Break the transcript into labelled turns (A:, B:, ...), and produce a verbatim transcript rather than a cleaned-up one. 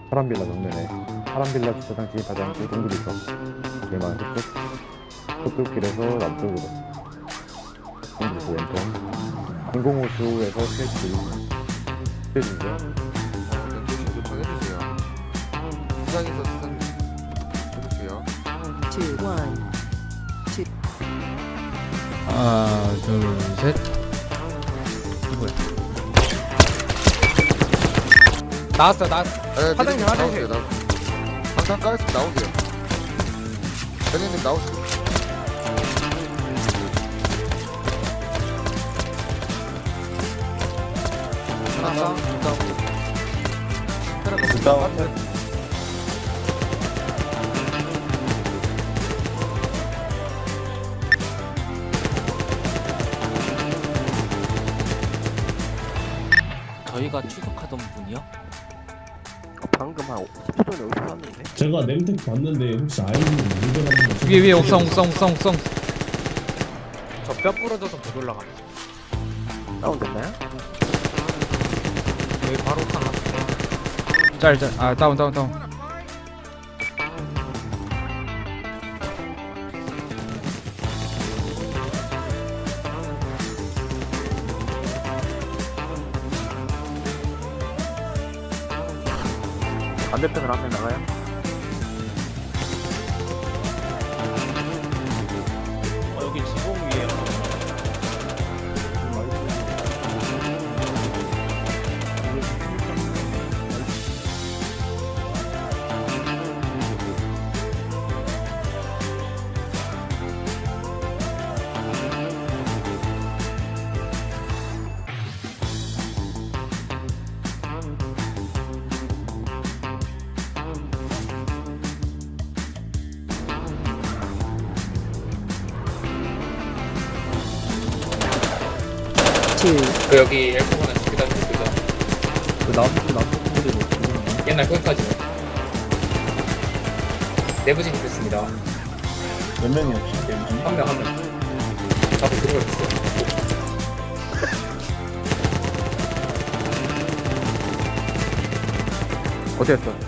A: 파란빌라 정면에 파란빌라 주차장 진입하지 동굴이 있어. 거기만 흑흑 흑흑길에서 남쪽으로 동굴에서 왼쪽 인공호수에서 셋길 셋이죠.
B: 어, 네, 조심 요청해주세요. 수상에서 수상 해주세요.
C: two, one.
D: 하나 둘셋 뭐야 나왔어 나왔어
B: 네,
D: 사장님,
B: 미리님
D: 화장실.
B: 나오세요. 나오세요. 항상 까였으면 나오세요. 대리님 나오세요. 하나, 둘, 셋.
D: 다운
E: 저희가 추격하던 분이요?
F: 방금 한 십 초 전에 여기서 샀는데?
G: 제가 냄텍 봤는데 혹시 아이님 문제라는
D: 위에 위에 옥상 옥상 옥상 옥상
E: 저 뼈 부러져서 못 올라가.
F: 다운됐나요?
E: 여기 바로 옥상 앞에.
D: 짤짤아 다운 다운 다운
F: 반대편으로 한 명 나가요?
E: 여기 지붕 위에.
C: Two.
H: 그 여기 엘코가 계단 그죠?
A: 그 남쪽 남쪽 동굴이 뭐
H: 옛날 거기까지요. 내부 진입했습니다.
G: 몇 명이 혹시 내부
H: 한 명 한 명. 잡고 들어갔어요.
A: 어땠어?